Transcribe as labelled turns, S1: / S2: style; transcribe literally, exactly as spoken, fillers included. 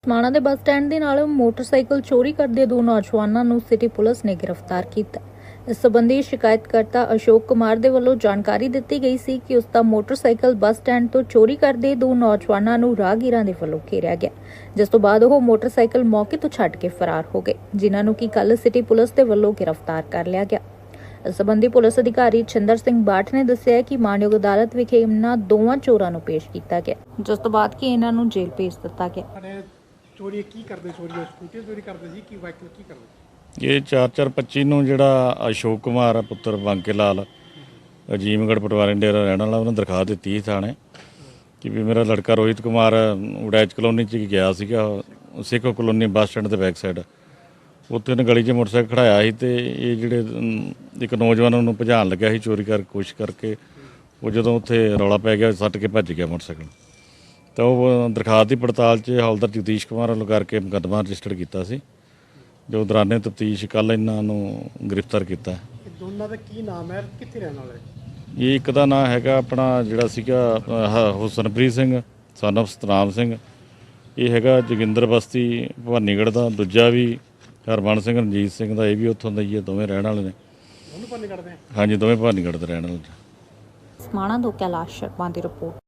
S1: ਸਮਾਣਾ ਦੇ ਬੱਸ ਸਟੈਂਡ ਦੇ ਨਾਲ ਮੋਟਰਸਾਈਕਲ ਚੋਰੀ ਕਰਦੇ ਦੋ ਨੌਜਵਾਨਾਂ ਨੂੰ ਸਿਟੀ ਪੁਲਿਸ ਨੇ ਗ੍ਰਿਫਤਾਰ ਕੀਤਾ। ਇਸ ਸੰਬੰਧੀ ਸ਼ਿਕਾਇਤਕਰਤਾ ਅਸ਼ੋਕ ਕੁਮਾਰ ਦੇ ਵੱਲੋਂ ਜਾਣਕਾਰੀ ਦਿੱਤੀ ਗਈ ਸੀ ਕਿ ਉਸ ਦਾ ਮੋਟਰਸਾਈਕਲ ਬੱਸ ਸਟੈਂਡ ਤੋਂ ਚੋਰੀ ਕਰਦੇ ਦੋ ਨੌਜਵਾਨਾਂ ਨੂੰ ਰਾਹਗੀਰਾਂ ਦੇ ਵੱਲੋਂ ਘੇਰਿਆ ਗਿਆ, ਜਿਸ ਤੋਂ ਬਾਅਦ ਉਹ ਮੋਟਰਸਾਈਕਲ ਮੌਕੇ ਤੋਂ ਛੱਡ ਕੇ ਫਰਾਰ ਹੋ ਗਏ, ਜਿਨ੍ਹਾਂ ਨੂੰ ਕਿ ਕੱਲ੍ਹ ਸਿਟੀ ਪੁਲਿਸ ਦੇ ਵੱਲੋਂ ਗ੍ਰਿਫਤਾਰ ਕਰ ਲਿਆ ਗਿਆ। ਇਸ ਸੰਬੰਧੀ ਪੁਲਿਸ ਅਧਿਕਾਰੀ ਛਿੰਦਰ ਸਿੰਘ ਬਾਠ ਨੇ ਦੱਸਿਆ ਕਿ ਮਾਨਯੋਗ ਅਦਾਲਤ ਵਿਖੇ ਇਹਨਾਂ ਦੋਵਾਂ ਚੋਰਾਂ ਨੂੰ ਪੇਸ਼ ਕੀਤਾ ਗਿਆ, ਜਿਸ ਤੋਂ ਬਾਅਦ ਕਿ ਇਹਨਾਂ ਨੂੰ ਜੇਲ੍ਹ ਭੇਜ ਦਿੱਤਾ ਗਿਆ।
S2: ਚੋਰੀ ਕੀ ਕਰਦੇ ਚੋਰੀ ਸਕੂਟੀ ਚੋਰੀ ਕਰਦੇ ਸੀ ਕਿ ਵਾਹੀਕਲ ਕੀ ਕਰਦੇ?
S3: ਇਹ ਚਾਰ ਚਾਰ ਪੱਚੀ ਨੂੰ ਜਿਹੜਾ ਅਸ਼ੋਕ ਕੁਮਾਰ ਆ ਪੁੱਤਰ ਬਾਂਕੇ ਲਾਲ ਅਜੀਮਗੜ੍ਹ ਪਟਵਾਰੀ ਡੇਰਾ ਰਹਿਣ ਵਾਲਾ, ਉਹਨੇ ਦਰਖਾਸਤ ਦਿੱਤੀ ਸੀ ਥਾਣੇ ਕਿ ਵੀ ਮੇਰਾ ਲੜਕਾ ਰੋਹਿਤ ਕੁਮਾਰ ਉਡੈਚ ਕਲੋਨੀ 'ਚ ਗਿਆ ਸੀਗਾ, ਸਿੱਖੋ ਕਲੋਨੀ ਬੱਸ ਸਟੈਂਡ ਦੇ ਬੈਕ ਸਾਈਡ, ਉੱਥੇ ਉਹਨੇ ਗਲੀ 'ਚ ਮੋਟਰਸਾਈਕਲ ਖੜਾਇਆ ਸੀ ਤੇ ਇਹ ਜਿਹੜੇ ਇੱਕ ਨੌਜਵਾਨ ਨੂੰ ਭਜਾਉਣ ਲੱਗਿਆ ਸੀ ਚੋਰੀ ਕਰ ਕੋਸ਼ਿਸ਼ ਕਰਕੇ, ਉਹ ਜਦੋਂ ਉੱਥੇ ਰੌਲਾ ਪੈ ਗਿਆ ਸੱਟ ਕੇ ਭੱਜ ਗਿਆ ਮੋਟਰਸਾਈਕਲ। ਤਾਂ ਉਹ ਦਰਖਾਸਤ ਦੀ ਪੜਤਾਲ 'ਚ ਹੌਲਦਾਰ ਜਗਦੀਸ਼ ਕੁਮਾਰ ਵੱਲੋਂ ਕਰਕੇ ਮੁਕੱਦਮਾ ਰਜਿਸਟਰ ਕੀਤਾ ਸੀ, ਜੋ ਦੌਰਾਨੇ ਤਫਤੀਸ਼ ਕੱਲ੍ਹ ਇਹਨਾਂ ਨੂੰ ਗ੍ਰਿਫਤਾਰ ਕੀਤਾ।
S2: ਦੋਨਾਂ ਦਾ ਕੀ ਨਾਮ ਹੈ, ਕਿੱਥੇ ਰਹਿਣ ਵਾਲੇ?
S3: ਇਹ ਇੱਕ ਦਾ ਨਾਮ ਹੈਗਾ ਆਪਣਾ ਜਿਹੜਾ ਸੀਗਾ ਹੁਸਨਪ੍ਰੀਤ ਸਿੰਘ ਸਨ ਆਫ ਸਤਨਾਮ ਸਿੰਘ, ਇਹ ਹੈਗਾ ਜੋਗਿੰਦਰ ਬਸਤੀ ਭਵਾਨੀਗੜ੍ਹ ਦਾ। ਦੂਜਾ ਵੀ ਹਰਮਨ ਸਿੰਘ ਰਣਜੀਤ ਸਿੰਘ ਦਾ, ਇਹ ਵੀ ਉੱਥੋਂ ਦਾ ਹੀ ਹੈ, ਦੋਵੇਂ ਰਹਿਣ ਵਾਲੇ ਨੇ।
S2: ਦੋਨੋਂ ਭਵਾਨੀਗੜ੍ਹ ਦੇ?
S3: ਹਾਂਜੀ, ਦੋਵੇਂ ਭਵਾਨੀਗੜ੍ਹ ਦੇ ਰਹਿਣ ਵਾਲੇ।
S1: ਸਮਾਣਾ ਤੋਂ ਕੈਲਾਸ਼ ਸ਼ਰਮਾ ਦੀ ਰਿਪੋਰਟ।